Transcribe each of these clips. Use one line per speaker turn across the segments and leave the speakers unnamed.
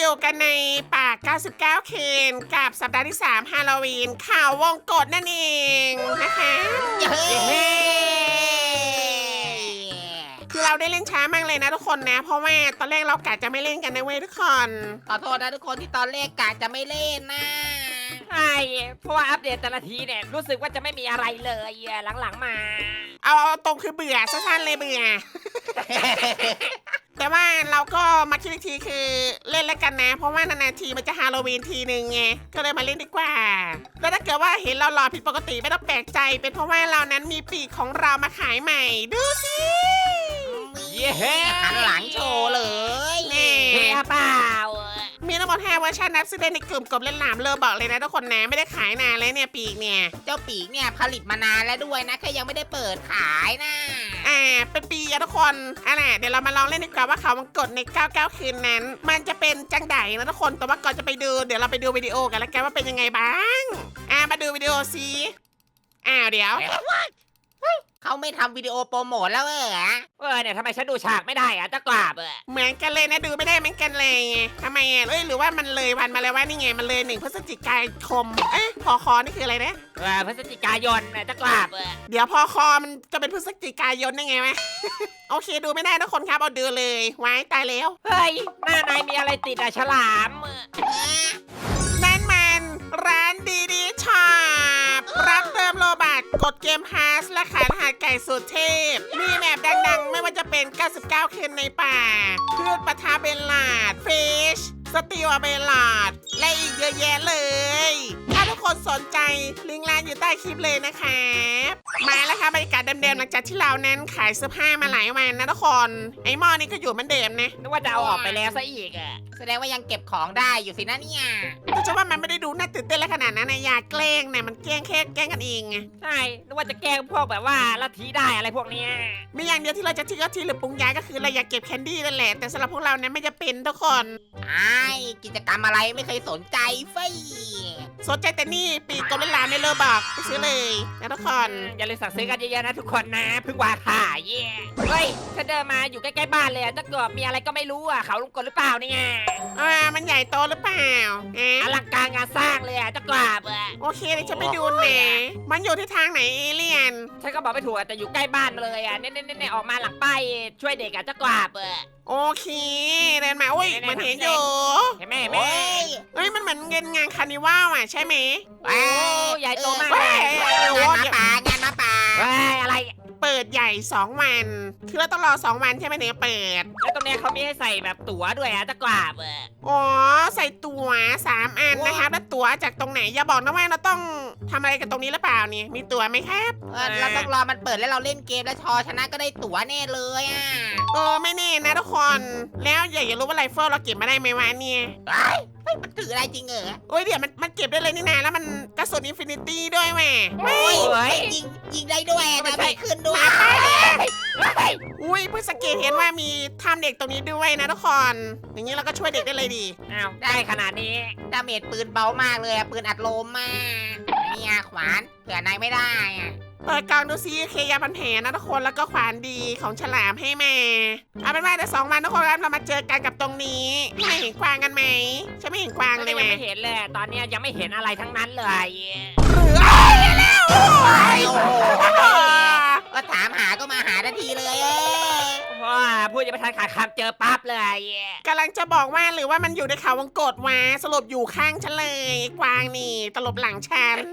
อยู่กันในป่า 99 คืนกับสัปดาห์ที่ 3 ฮาโลวีนข่าววงกตนั่นเองนะคะคือเราได้เล่นช้ามากเลยนะทุกคนนะ เพราะว่าตอนแรกเรากะจะไม่เล่นกันนะเว้ยทุกคน
ขอโทษนะทุกคนที่ตอนแรกกะจะไม่เล่นนะ
ใช่เพราะว่าอัปเดตแต่ละทีเนี่ยรู้สึกว่าจะไม่มีอะไรเลยหลังๆมา
เอาตรงคือเบื่อสั้นๆเลยเบื่อ แต่ว่าเราก็มาคิดอีกทีคือเล่นแล้วกันนะ เพราะว่านานๆทีมันจะฮาโลวีนทีนึงไงก็เลยมาเล่นดีกว่าแล้วถ้าเกิดว่าเห็นเราหล่อผิดปกติไม่ต้องแปลกใจเป็นเพราะว่าเรานั้นมีปีกของเรามาขายใหม่ดูสิ
เย้
หันหลังโชว์เลย
นี่
เฮ้ยเปล่า
มีทั้งหมด5เวอร์ชันนับซื้อได้ในกลุ่มกบเล่นหลามเลอบอกเลยนะทุกคนนะไม่ได้ขายนานเลยเนี่ยปีกเนี่ย
เจ้าปีกเนี่ยผลิตมานานแล้วด้วยนะแค่ยังไม่ได้เปิดขายนะ
เป็นปีอะทุกคนเดี๋ยวเรามาลองเล่นดีกว่าว่าเขาวงกตใน 99 คืนนั้น มันจะเป็นจังไดนะทุกคนแต่ว่าก่อนจะไปดูเดี๋ยวเราไปดูวิดีโอกันแล้วกันว่าเป็นยังไงบ้างมาดูวิดีโอสิเดี๋ยว
เขาไม่ทำวิดีโอโปรโมทแล้ว
เนี่ยทำไมฉันดูฉากไม่ได้จะกราบ
เหมือนกันเลยนะดูไม่ได้เหมือนกันเลยไงทำไมหรือว่ามันเลยวันมาแล้วว่านี่ไงมันเลย1 พฤศจิกายนพอคอนี่คืออะไรนะ
พฤศจิกายนจะกราบ
เดี๋ยวพอคอมันจะเป็นพฤศจิกายนได้ไงวะ โอเคดูไม่ได้ทุกคนครับเอาดูเลยไว้ตายแล้ว
เฮ้ยหน้านายมีอะไรติดฉลาม
นั่นมันร้านดีช็อปรับเติมโลบัตกดเกมพาสและขายรหัสไก่สุดเทพมีแมปดังๆ ไม่ว่าจะเป็น 99 คืนในป่าพืชปะทาเบลลาดฟิชสติวเบลลาดและอีกเยอะแยะเลย ถ้าทุกคนสนใจลิงก์ร้านอยู่ใต้คลิปเลยนะครับมาแล้วค่ะบรรยากาศเดิมๆหลังจากที่เรานั้นขายเสื้อผ้ามาหลายวันนะทุกคนไอ้หม้อนี่ก็อยู่เหมือนเดิมนะ
นึกว่าจะเอาออกไปแล้วซะอีก
แสดงว่ายังเก็บของได้อยู่สินะเนี่ย
แต่จะว่ามันไม่ได้ดูน่าตื่นเต้นอะไรขนาดนั้นนะอย่าแกล้งนะมันแกล้งแค่แกล้งกันเองไง
ใช่นึกว่าจะแกล้งพวกแบบว่าลัทธิได้อะไรพวกเนี้ย
มีอย่างเดียวที่เราจะทิ้งก็ทิ้งหรือปรุงย้ายก็คือเราอยากเก็บแคนดี้นั่นแหละแต่สำหรับพวกเราเนี่ยไม่จะเป็นทุกคน
กิจกรรมอะไรไม่เคยสนใจเฟ้ย
สนใจแต่นี่ปีกกลมเล่นลามไม่เลอบอกไปซื้อเลยนะทุกคน
อย่าลืมสั่งซื้อกันเยอะๆนะทุกคนนะเพิ่งวางขายเฮ้ยฉันเดินมาอยู่ใกล้ๆบ้านเลยถ้าเกิดมีอะไรก็ไม่รู้เขาลงกลหรือเปล่าเนี่ย
มันใหญ่โตหรือเปล่า
อลังการงานสร้างเลยจะกราบ
โอเคเดี๋ยวจะไปดูนะมันอยู่ที่ทางไหนเอเลี่ยน
ฉันก็บอกไม่ถูกแต่อยู่ใกล้บ้านเลยเน่ออกมาหลังป้ายช่วยเด็กจะกราบ
โอเคเดินมาอุ้ยมันเห็นอยู่
เห็นไหม
มันเหมือนเงินงานคาร์นิวัลใช่ไหม
โอ้ใหญ่โตมาก
งานมาป่า
อะไร
เปิดใหญ่2 วันคือเราต้องรอ2 วันใช่ไหมเนี่ยเปิด
แล้วตรงนี้เขามีให้ใส่แบบตั๋วด้วยจะกราบ
อ๋อใส่ตั๋ว3 อันนะครับแล้วตั๋วจากตรงไหนอย่าบอกนะว่าเราต้องทำอะไรกับตรงนี้หรือเปล่านี่มีตั๋วไหมครับ
เราต้องรอมันเปิดแล้วเราเล่นเกมแล้วชนะก็ได้ตั๋วแน่เลย
ไม่แน่นะทุกคนแล้วอยากรู้ว่าไรเฟิลเราเก็บมาได้ไหมวะเนี่ย
มันถืออะไรจริง
เดี๋ยวมันเก็บได้เลยนี่นาแล้วมันกระสุนอินฟินิตี้ด้วยแม่
ยิงได้ด้วยแต่ไม่ขึ้นด้วย
เพิ่งสังเกตเห็นว่ามีถ้ำเด็กตรงนี้ด้วยนะทุกคนอย่างนี้เราก็ช่วยเด็กได้เลยดี
อ้าวได้ขนาดนี้
ดาเมจปืนเบามากเลยปืนอัดลมมากเนี่ยขวานเผื่อนายไม่ได้
เปิดกล่องดูซิเคยาพันแผลนะทุกคนแล้วก็ขวานดีของฉลามให้มาเอาเป็นว่าเดี๋ยว2 วันทุกคนครับเรามาเจอกันกับตรงนี้ไม่เห็นกวางกันไหมฉันไม่เห็นกวางเลย
ยัง
แม่
ไม่เห็นเลยตอนนี้ยังไม่เห็นอะไรทั้งนั้นเลย
หรือแล้ว
ก็ถามหาก็มาหาทันทีเลย
ว้าพูดยังไม่ทันขาดคำเจอปั๊บเลย
กำลังจะบอกว่าหรือว่ามันอยู่ในเขาวงกตวะสรุปอยู่ข้างฉันเลยกวางนี่ตลบหลังฉัน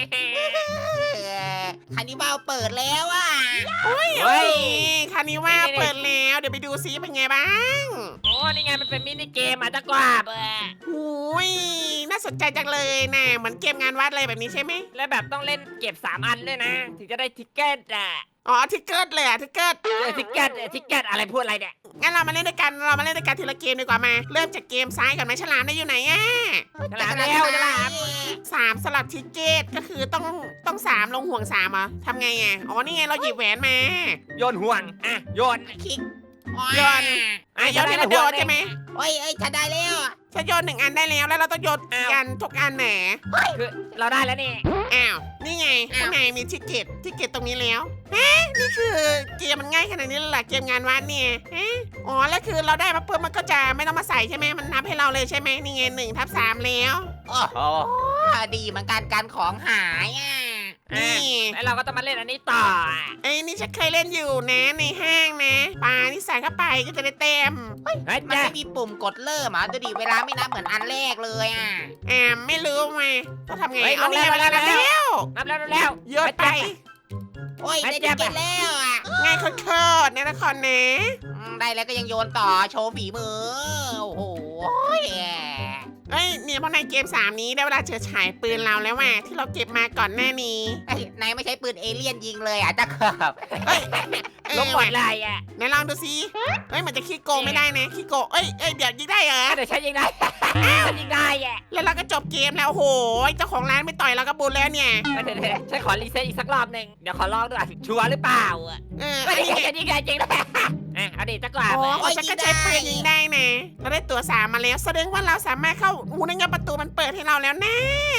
คานิบาลเปิดแล้ว
เฮ้ยคานิว่าเปิดแล้วเดี๋ยวไปดูซิเป็นไงบ้าง
โอ้นี่ไงมันเป็นมินิเกมจะกราบ
น่าสนใจจังเลยนะเหมือนเกมงานวัดเลยแบบนี้ใช่ไหม
แล้วแบบต้องเล่นเก็บ3 อันด้วยนะถึงจะได้ทิกเก็ต
อ๋อทิกเกิลเลยทิกเกิล
ทิกเก็ตอะไรพูดอะไรเนี่ย
งั้นเรามาเล่นด้วยกันทีละเกมดีกว่ามาเริ่มจากเกมซ้ายก่อนไหมฉลามได้อยู่ไหน
ฉลามแล้วฉลาม
3สลับทิกเก็ตก็คือต้อง3ลงห่วง3เหรอทำไงอ๋อนี่ไงเราหยิบแหวนมา
โยนห่วงโยน
คลิก
โยน โยนให้เราโดนใช่ไหม
โอ้ยฉันได้แล้ว
ฉันโยน1 อันได้แล้วแล้วเราต้องโยนกันทุกอันแหน
คือเราได้แล้วนี่
อ้าวนี่ไงข้างในมีทิกเก็ตตรงนี้แล้วนี่คือเกมมันง่ายขนาดนี้เลยเหรอเกมงานวัดเนี่ยอ๋อแล้วคือเราได้มาเพิ่มมันก็จะไม่ต้องมาใส่ใช่ไหมมันนับให้เราเลยใช่ไหมนี่ไง1/3แล้ว
โอ้โหดีเหมือนกันการของหาย
นี่
แล้วเราก็ต้องมาเล่นอันนี้ต่อ
ไอ้นี่ฉันเคยเล่นอยู่นะในห้างนะปลาที่ใส่เข้าไปก็จะได้เต็ม
เฮ้ย
มัน
จ้ะ
ไม่มีปุ่มกดเริ่มอ่ะดูดิเวลาไม่นับเหมือนอันแรกเลย
ไม่รู้มาต้องทำไง
เฮ้ย
เอานี่
ลงแล้ว
มาแล้ว
นับแล้ว
โยนไป
โอ้ยได้ทิกเก็ตแล้ว
ง่ายโคตรๆนะทุกคนนะ
ได้แล้วก็ยังโยนต่อโชว์ฝีมือโอ้โห
เอ้ยเนี่ยเพราะในเกม3นี้ได้เวลาเฉิดฉายปืนเราแล้วว่ะที่เราเก็บมาก่อนหน้านี้
นายไม่ใช้ปืนเอเลี่ยนยิงเลยจะเกือบ
ลงหมดเลยอ่ะ
ไหนลองดูสิเฮ้ยมันจะขี้โกงไม่ได้นะขี้โกงเอ้ยเดี๋ยวยิงได้เหรอ
เดี๋ยวฉันยิงได้ฉันยิงได้อ่ะ
แล้วเราก็จบเกมแล้วโอ้โหเจ้าของร้านไม่ต่อยเราก็บุญแล้วเนี่ย
เดี๋ยวฉันขอรีเซ็ตอีกสักรอบหนึ่งเดี๋ยวขอลองดูชัวร์หรือเปล่าอ่ะ
อันนี้
ฉันยิงได้จริงด้วยเอาดิจะกว่า
โอ้ฉันก็ใช้ปืนยิงได้นะเราได้ตัว3มาแล้วแสดงว่าเราสามารถเข้านั่นไงประตูมันเปิดให้เราแล้วนะ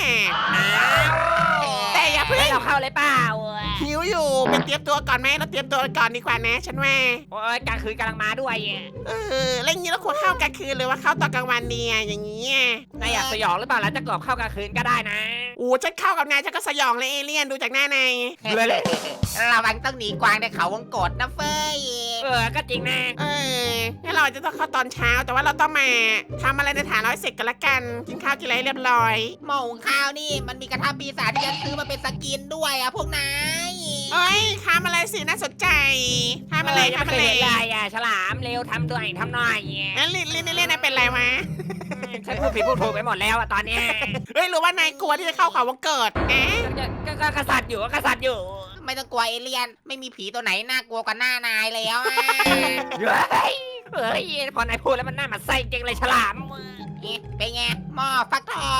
แต่อย่าเพิ่ง
เราเข้าเลยเปล่า
หิวอยู่ไปเตรียมตัวก่อนไหมเราเตรียมตัวก่อนดีกว่านะฉันว่า
โอ้ยกลางคืนกำลังมาด้วย
แล้วอย่างนี้เราควรเข้ากลางคืนหรือว่าเข้าตอนกลางวันดีอย่างนี้
นายอยากสยองหรือเปล่าแล้วจะกรอบเข้ากลางคืนก็ได้นะ
ฉันเข้ากับนายฉันก็สยองเลยเอเลี่ยนดูจากหน้านาย
ระวังต้องหนีกวางในเขาวงกตนะเฟ้ย
ก็จริงนะ
งั้นเราอาจจะต้องเข้าตอนเช้าแต่ว่าเราต้องมาทำอะไรในฐานร้อยเสร็จกันละกันกินข้าวกินอะไรเรียบร้อย
หม้อหุงข้าวนี่มันมีกระทะปีศาจที่ฉันซื้อมาเป็นสกินด้วยพวกนาย
ทำอะไรสิน่าสนใจทำอะไร
ยังไม่เคยเห็นเลยฉลามเร็วทำด้วยทำหน่อย
งั้นเล่นเป็นไรวะ
ฉันพูดผิดพูดถูกไปหมดแล้วตอนนี้
หรือว่านายกลัวที่จะเข้าเขาวงเกิด
ก็กษัตริย์อยู่กษัตริย์อยู่
ไม่ต้องกลัวเอเลี่ยนไม่มีผีตัวไหนน่ากลัวกว่าหน้านายแล้ว
เฮ้ยพอนายพูดแล้วมันน่ามาใส่จริงเลยฉลาม
เป็นไงหม้อฟักทอง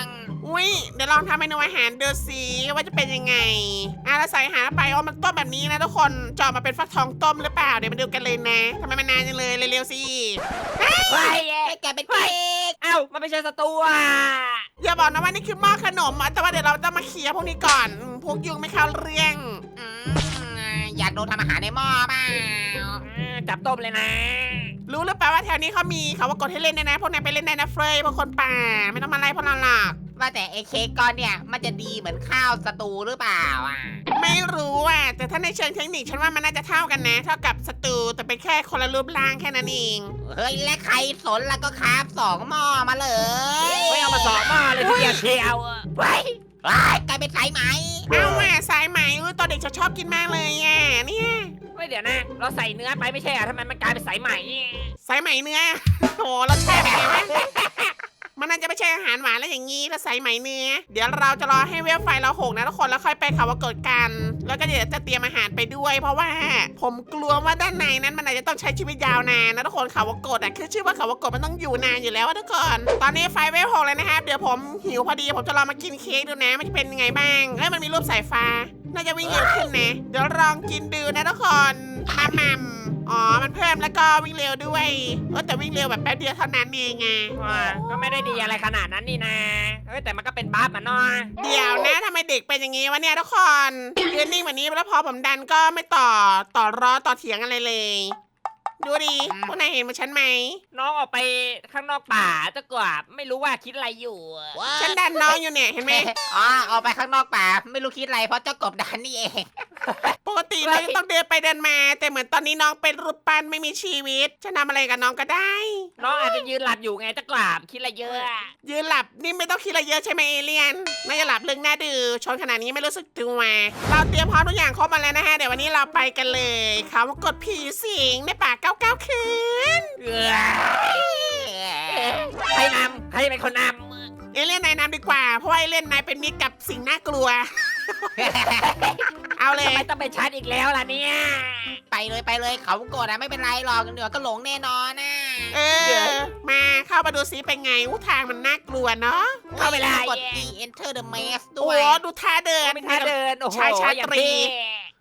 เดี๋ยวลองทำเมนูอาหารดูสิว่าจะเป็นยังไงเราใส่อาหารไปมันต้มแบบนี้นะทุกคนเจาะมาเป็นฟักทองต้มหรือเปล่าเดี๋ยวมาดูกันเลยนะทำไมมันนานจังเลยเร็วๆสิ
เฮ้ย
แกเป็นเค้ก
เอ้ามันไม่ใช่ศัตรู
อย่าบอกนะว่านี่คือหม้อขนมแต่ว่าเดี๋ยวเราต้องมาเคลียร์พวกนี้ก่อนพวกยุงไม่เข้าเรื่อง
อยากโดนทำอาหารในหม้อเปล่า
จับต้มเลยนะ
รู้หรือเปล่าว่าแถวนี้เขามีเขาว่ากดให้เล่นได้นะพวกนายไปเล่นได้นะเฟยพวกคนป่าไม่ต้องมาไล่พวกเราหรอก
ว่าแต่ไอ้เค้กก้อนเนี่ยมันจะดีเหมือนข้าวสตูหรือเปล่า
ไม่รู้แต่ถ้าในเชิงเทคนิคฉันว่ามันน่าจะเท่ากันนะเท่ากับสตูแต่เป็นแค่คนละรูปร่างแค่นั้นเอง
เฮ้ยและใครสนแล้วก็คราฟ2 หม้อมาเลย
ไม่เอามาสองหม้อเลยทีเดียวเชียว
ไว้กลายเป็นสายไหม
เอาสายไหมตอนเด็กฉันชอบกินมากเลยเนี่ย
ไม่เดี๋ยวนะเราใส่เนื้อไปไม่ใช่ทำไมมันกลายเป็นสายไหม
สายไหมเนื้อโอ้เราแช่ไปไหมมันน่าจะไม่ใช่อาหารหวานแล้วอย่างงี้แล้วใส่ไหมเนื้อเดี๋ยวเราจะรอให้เวลไฟเราหกนะทุกคนแล้วค่อยไปเขาวกดกันแล้วก็เดี๋ยวจะเตรียมอาหารไปด้วย เพราะว่าผมกลัวว่าด้านในนั้นมันอาจจะต้องใช้ชีวิตยาวนานนะทุกคนเขาวกดคือชื่อว่าเขาวกดมันต้องอยู่นานอยู่แล้วทุกคนตอนนี้ไฟเวลหกเลยนะครับเดี๋ยวผมหิวพอดีผมจะลองมากินเค้กดูนะมันจะเป็นยังไงบ้างมันมีรูปสายฟ้าน่าจะวิ่งเร็วขึ้นนะเดี๋ยวลองกินดูนะทุกคนมัมมันเพิ่มแล้วก็วิ่งเร็วด้วยแต่วิ่งเร็วแบบแป๊บเดียวเท่านั้นเองไง
ก็ไม่ได้ดีอะไรขนาดนั้นนี่นะแต่มันก็เป็นบัฟมันเนาะ
เดี๋ยวนะทำไมเด็กเป็นอย่างงี้วะเนี่ยทุกคนยืนนิ่งแบบนี้แล้วพอผมดันก็ไม่ต่อร้อต่อเถียงอะไรเลยดูดิพวกนายเห็นมาฉันไหม
น้องออกไปข้างนอกป่าจะกว่าไม่รู้ว่าคิดอะไรอยู่
ฉันดันน้องอยู่เนี่ยเห็นไหม
ออกไปข้างนอกป่าไม่รู้คิดอะไรเพราะเจ้ากบดันนี่เอง
ปกติเราจะต้องเดินไปเดินมาแต่เหมือนตอนนี้น้องเป็นรูปปั้นไม่มีชีวิตจะทำอะไรกับน้องก็ได้
น้องอาจจะยืนหลับอยู่ไงจะกว่าคิดอะไรเยอะ
ยืนหลับนี่ไม่ต้องคิดอะไรเยอะใช่ไหมเอเลียนน่าจะหลับเรื่องหน้าดื้อชนขนาดนี้ไม่รู้สึกตัวเราเตรียมพร้อมทุกอย่างครบมาแล้วนะฮะเดี๋ยววันนี้เราไปกันเลยเขามากดผีสิงในป่า99 คืน
ใครนำใครเป็นคนนำ
เอเลี่ยนนายนำดีกว่าเพราะว่าเอเลี่ยนนายเป็นมิตรกับสิ่งน่ากลัว เอาเลย
ทำไมต้องไปชาร์จอีกแล้วล่ะเนี่ย
ไปเลยเขาโกรธไม่เป็นไรหรอกเดี๋ยวก็หลงแน่นอน
มาเข้ามาดูซิเป็นไงทางมันน่ากลัวเนาะ
เข้าไปเลย
กด E Enter the Maze ด้
โอ้
วย
ดูท่าเดิน
เป็นท่าเดินโอ้โห
ชายชาตรี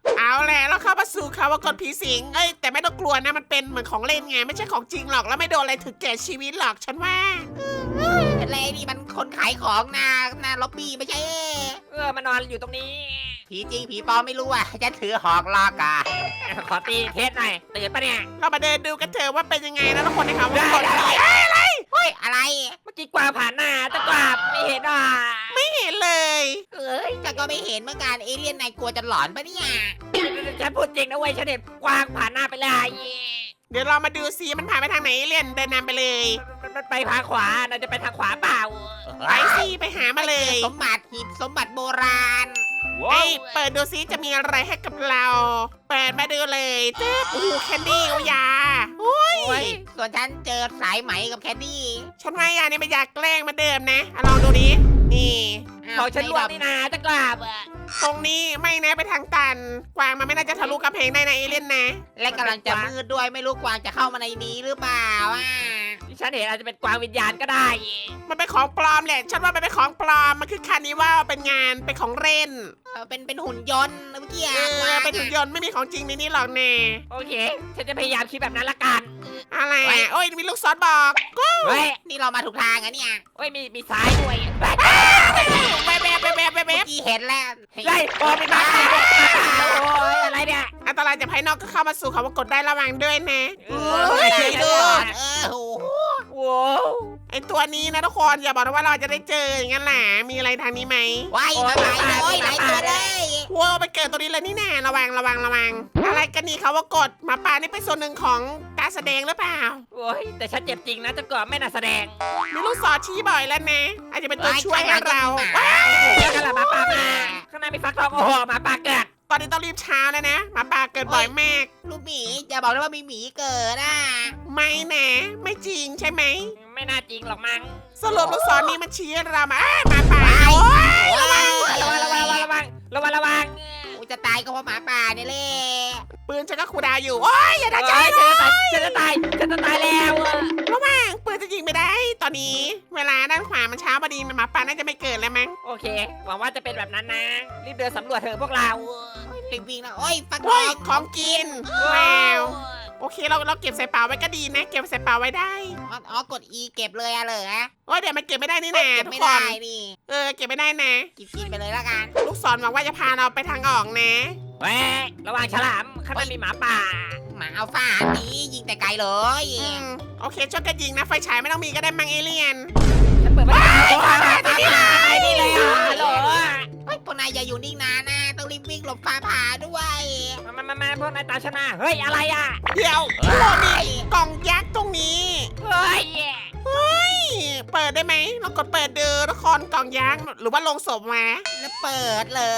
เอาแหละแล้วเข้ามาสู่เขาว่ากดผีสิงเอ้ยแต่ไม่ต้องกลัวนะมันเป็นเหมือนของเล่นไงไม่ใช่ของจริงหรอกแล้วไม่โดนอะไรถึงแก่ชีวิตหรอกฉันว่า
อะไรนี่มันคนขายของหน้าล็อบบี้ไม่ใช่
มานอนอยู่ตรงนี้
ผีจริงผีปลอมไม่รู้อ่ะฉันถือหอกลอกอ่ะ
ขอตีเทสหน่อยตื่นปะเนี่ย
เรามาเดินดูกันเถอะว่าเป็นยังไงนะทุกคนในเขาว่ากด
เฮ้ยอะไร
เมื่อกี้กวางผ่านหน้าตะกวาบไม่เห็นอ่ะ
ไม่เห็นเลย
เอ้ย
แต่ก็ไม่เห็นเหมือนกันเอเลี่ยนนายกลัวจะหลอนปะเนี่ย
ฉันพูดจริงนะเว้ยฉันเห็นกวางผ่านหน้าไปเลย
เดี๋ยวเรามาดูซิมันผ่านไปทางไหนเล่นเดินนำไปเลย
มันไปทางขวาน่าจะไปทางขวาเปล่า
ไปสิไปหามาเลย
สมบัติหีบสมบัติโบราณ
เอ้ยเปิดดูซิจะมีอะไรให้กับเรา เปิดมาดูเลยตึ๊บโอ้โหแคนดี้โอยาอุ้ย
โอ้ยส่วนฉันเจอสายไหมกับแคดดี้
ฉันว่ายานี่ไม่อยากแกล้งเหมาเดิมนะลองดูดินี่
ของฉันล่วงนี่นะตะกวาบ
ตรงนี้ไม่นะไปทางตัน กวางมันไม่น่าจะทะลุกำแพงได้นะเอเลี่ยนนะ
และกำลังจะมืดด้วยไม่รู้กวางจะเข้ามาในนี้หรือเปล่าอ่ะ
ที่ฉันเห็นอาจจะเป็นกวางวิญญาณก็ได้
มันเป็นของปลอมแหละ ฉันว่ามันเป็นของปลอม มันคือคาร์นิวัลเป็นงาน เป็นของเล่น
เป็นหุ่นยนต์เมื่อกี้
เอ
อะ
อ เป็นหุ่นยนต์ไม่มีของจริงในนี้หรอกแน่
โอเค ฉันจะพยายามคิดแบบนั้นละกัน
อะไรอ่ะ โอ้ย มีลูกศรบอก
เฮ้ย
นี่เรามาถูกทางอะเนี่ย
เฮ้ยมีซ้ายด้วย
แวบแวบแวบแวบแวบ
เมื่อกี้เห็นแล้ว
เฮ้ยโอ้มีมาโอ้ยอะไรเนี่ย
อันตรายจากภายนอกก็เข้ามาสู่เขาว่ากดได้ระวังด้วยนะ
เอ
เฮ้ย
โอ้โห
โว้
ไอตัวนี้นะทุกคนอย่าบอกนะว่าเราจะได้เจออย่างนั้นแหละมีอะไรทางนี้ไหม
ว้ายมาโอ้ยหลายตัวเลย
ว้าวไปเกิดตัวนี้เลยนี่แน่ระวังระวังระวัง อะไรกันนี่เขาว่ากดหมาป่านี่เป็นส่วนหนึ่งของการแสดงหรือเปล่า
โอ้ยแต่ฉันเจ็บจริงนะจะกอบไม่น่าแสดง
มีลูกศรชี้บ่อยแล้วนะ อาจจะเป็นตัวช่วยให้เรา
เดี๋ยวกันละหมาป่ามาข้างหน้ามีฟักทองโอ้โหหมาป่าเกิด
ตอนนี้ต้องรีบเช้าแล้วนะหมาป่าเกิดบ่อยมาก
ลูกหมีอย่าบอกนะว่ามีหมีเกิดอ่ะ
ไม่นะไม่จริงใช่ไหม
ไม่น่าจริงหรอกมั้ง
สรุปลูกศรนี้มันชี้ให้เรามาหมาป่าโอ้ย
ระวังระวัง
กูจะตายก็เพราะหมาป่าเนี่ยแหละ
ปืนฉันก็คูลดาวน์อยู่โอ้ยอย่าด่าฉัน
ฉันจะตายแล้ว
ระวังปืนจะยิงไม่ได้ ตอนนี้เวลาด้านขวามันเช้าพอดีหมาป่าน่าจะไม่เกิดแล้วมั้ง
โอเคหวังว่าจะเป็นแบบนั้นนะรีบเดินสำรวจเถอะพวกเรา
รีบวิ่งนะโอ้ยฟักท
โอ้
อย ง
ของกินว้าวโอเคเราเก็บใส่เป๋าไว้ก็ดีนะเก็บใส่เป๋าไว้ได้
อ๋อกด E เก็บเลยอะเหรอ
โอ้ยเดี๋ยวมันเก็บไม่ได้นี่นะ
เก็บ
ทุก
ไม่
ค
ได้
น
นี่
เก็บไม่ได้นะ
กินไปเลยละกัน
ลูกศรหวังว่าจะพาเราไปทางออกนะ
เว้ยระวังฉลามข้างหน้ามีหมาป่า
หมาอัลฟานี้ยิงแต่ไกลเลย
โอเคช่วยกันยิงนะไฟฉายไม่ต้องมีก็ได้มังเอเลียน
ฉันเปิดไม่ได้นี่เลยอ่ะฮัลโหล
เฮ้ยพวกนายอย่าอยู่นิ่งนานนะต้องรีบวิ่งหลบฟ้าผ่าด้วย
มาพวกนายตามฉันมาเฮ้ยอะไรอ่ะ
เดี๋ยวโอ้มีกล่องยักษ์ตรงนี้
เฮ้ย
นี่เปิดได้ไหมเรากดเปิดดูทุกคนกล่องยักษ์หรือว่าลงศพมา
แล้วเปิดเลย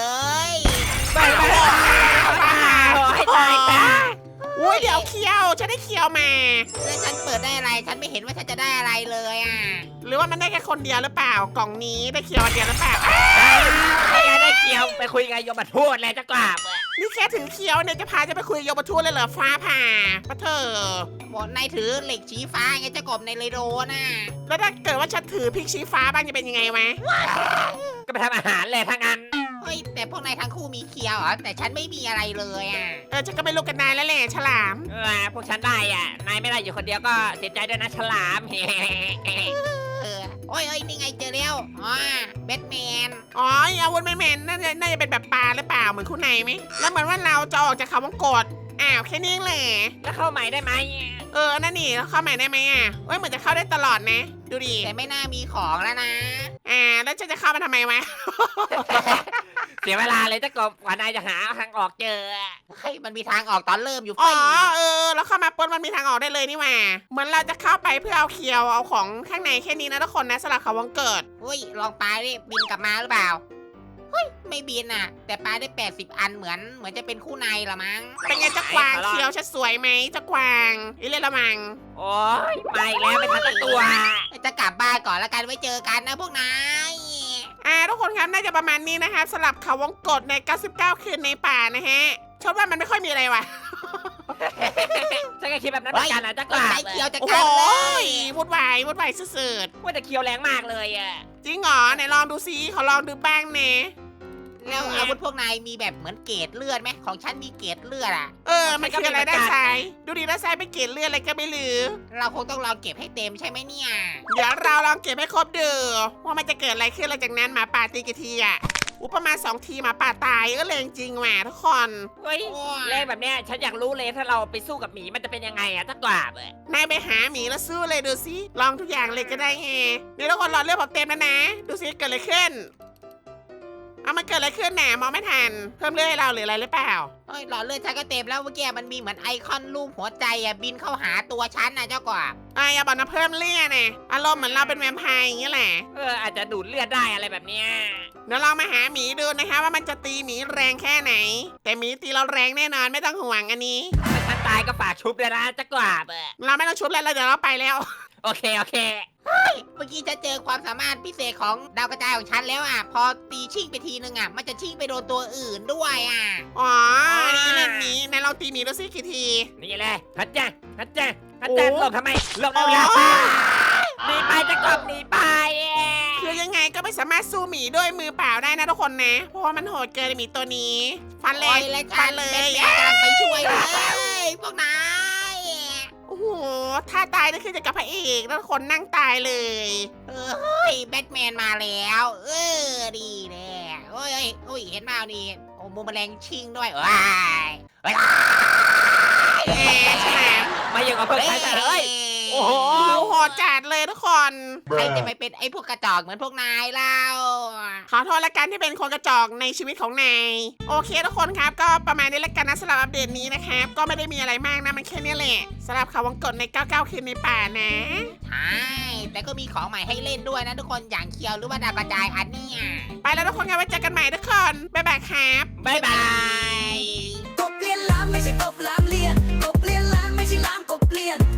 ไปตายตาย
อุ้ยเดี๋ยวเคี้ยวฉันได้เคี้ยวมา
แล้วฉันเปิดได้อะไร ฉันไม่เห็นว่าฉันจะได้อะไรเลยอ่ะ
หรือว่ามันได้แค่คนเดียวหรือเปล่ากล่องนี้ได้เคี้ยวอันเดียวหรือเปล่า
ไม่งั้นได้เคียวไปคุยกับโยมบัตพูดแล้วจะกลับ
นี่แค่ถือเคี้ยวเนี่ยจะพาจะไปคุยโยบทูตเลยเหรอฟ้าผ่าปะเธอ
บอกนายถือเหล็กชี้ฟ้าไงเจะกบในเรโดน่ะ
แล้วถ้าเกิดว่าฉันถือพริกชี้ฟ้าบ้างจะเป็นยังไงวะ
ก็ไปทำอาหารเลยทั้งนั้น
เฮ้ยแต่พวกนายทั้งคู่มีเคียวเหรอแต่ฉันไม่มีอะไรเลยอ่ะ
ฉันก็ไม่รู้กันนายแล้วแหละฉลาม
พวกฉันได้อ่ะนายไม่ได้อยู่คนเดียวก็เสียใจด้วยนะฉลาม
โอ้ยนี่ไงเจอแล้วแบทแมน
อ๋ออาวุธแมนน่าจะเป็นแบบปลาหรือเปล่าเหมือนคู่ในไหมแล้วเหมือนว่าเราจะออกจากเขาวงกดอ้าวแค่นี้เองเลย
แล้วเข้าใหม่ได้ไหม
นั่นนี่แล้วเข้าใหม่ได้ไหมเหมือนจะเข้าได้ตลอดนะ ดูดิ
แต่ไม่น่ามีของแล้วนะ
แล้วฉันจะเข้ามาทำไมวะ
เสียเวลาเลยจะกบกว่านายจะหาทางออกเจอ
เฮ้ยมันมีทางออกตอนเริ่มอยู่
อ๋
เฟ้
อแล้วเข้ามาปุ๊บมันมีทางออกได้เลยนี่หว่าเหมือนเราจะเข้าไปเพื่อเอาเคียวเอาของข้างในแค่นี้นะทุกคนนะสลับเขาวงเกิด
เฮ้ยลองปลาดิบินกลับมาหรือเปล่าเฮ้ยไม่บินอ่ะ แต่ปลาได้80 อันเหมือนจะเป็นคู่ในละมั้ง
เป็นไงเจ้ากวางเคียวฉันสวยไหมเจ้ากวางอีเล่นละมัง
โอ้ยมาอีกแล้วเป็นพันตัว
จะกลับบ้านก่อนแล้วกันไว้เจอกันนะพวกนาย
ทุกคนครับน่าจะประมาณนี้นะคะสลับเขาวงกฏใน 99 คืนในป่านะฮะชอบว่ามันไม่ค่อยมีอะไรว่ะ
ฉันก็คิดแบบนั้นเหมือนกันนะจะกลับ
ใช้เคียวจะ
โอ้
กั
โห
นเลย
วุ่นวายสุด
ว่าแต่เคียวแรงมากเลยอ่ะ
ๆจริงเหรอไหนลองดูซิขอลองดูบ้างเนะ
แล้วอาวุธพวกนายมีแบบเหมือนเกรดเลือดไหมของฉันมีเกรดเลือดอ่ะ
มันคืออะไรด้านซ้ายดูดิด้านซ้ายเป็นเกล็ดเลือดอะไรก็ไม่รู้
เราคงต้องลองเก็บให้เต็มใช่ไหมเนี่ย
เดี๋ยวเราลองเก็บให้ครบดูว่ามันจะเกิดอะไรขึ้นหลังจากนั้นหมาป่าตีกี่ทีอ่ะประมาณ2 ทีหมาป่าตายก็เลยจริงๆว่ะทุกคน
เฮ้ยเลขแบบเนี้ยฉันอยากรู้เลยถ้าเราไปสู้กับหมีมันจะเป็นยังไงอะถ้ากว่าบ
นายไปหาหมีแล้วสู้เลยดูสิลองทุกอย่างเลยก็ได้ไงเดี๋ยวทุกคนรอเรื่องผมเต็มแล้วนะดูสิเกิดอะไรขึ้นมันเกิดอะไรขึ้นน่ะมองไม่ทันเพิ่มเลือดให้เราหรืออะไรหรือเปล่า
เฮ้ยหลอดเลือดฉันก็เต็มแล้วเมื่อกี้มันมีเหมือนไอคอนรูปหัวใจอ่ะบินเข้าหาตัวฉันนะเจ้ากบ
อย่าบอกนะเพิ่มเลือดนะอารมณ์เหมือนเราเป็นแวมไพร์อย่างเงี้ยแหละ
อาจจะดูดเลือดได้อะไรแบบเนี้ย
เดี๋ยวลองมาหาหมีดูนะคะว่ามันจะตีหมีแรงแค่ไหน แต่หมีตีเราแรงแน่นอนไม่ต้องห่วงอันนี้
ถ้าฉันตายก็ฝากชุบเลยนะจะกว่าบ
เราไม่ต้องชุบแล้วเดี๋ยวเราไปแล้ว
โอเคโอเค
เมื่อกี้ฉันเจอความสามารถพิเศษของดาวกระจายของฉันแล้วอ่ะพอตีชิ่งไปทีนึงอ่ะมันจะชิ่งไปโดนตัวอื่นด้วยอ่ะ
นี่เล่นหมีนายลองตีหมีดูสิกี่ที
นี่เลยฮัจจ้าฮัจจ้าฮัจ
โอ้
จ้าหลบทำไมหลบเอาละหนีไปจะกบหนีไป
คือยังไงก็ไม่สามารถสู้หมีด้วยมือเปล่าได้นะทุกคนนะ เพราะว่ามันโหดเกินหมีตัวนี้ ฟันเล
โอ้
ย
ยและ
ฟั
ฉั
น
น
เล
เป็น
ย
แม่กำลังไปช่วยเลยพวกนาย
โอ้โหถ้าตายนี่คือจะกับพระเอกแล้วคนนั่งตายเลย
เฮ้ยแบทแมนมาแล้วดีแน่โอ้ยเห็นมานี่โอ้มูแมลงชิงด้วยว้ายว้าย
ฉลาม
มาอย่างกับเพิ่งใช้แต่เฮ้ย โอ้โห
โหดจัดเลยทุกคน
ใครจะไม่เป็นไอ้พวกกระจอกเหมือนพวกนายเล่า
ขอโทษละกันที่เป็นคนกระจอกในชีวิตของนายโอเคทุกคนครับก็ประมาณนี้ละกันนะสำหรับอัปเดตนี้นะครับก็ไม่ได้มีอะไรมากนะมันแค่นี้แหละสำหรับข่าววังกดใน 99 คืนในป่านะ
ใช่แต่ก็มีของใหม่ให้เล่นด้วยนะทุกคนอย่างเคียวหรือว่าดาวกระจายอันเนี้ย
ไปแล้วทุกคนครับไว้เจอกันใหม่ทุกคนบ๊ายบายครับ
บ๊ายบาย
กบเลียนล้านไม่ใช่กบล้านเลียนกบเลียนล้านไม่ใช่ล้านกบเลียน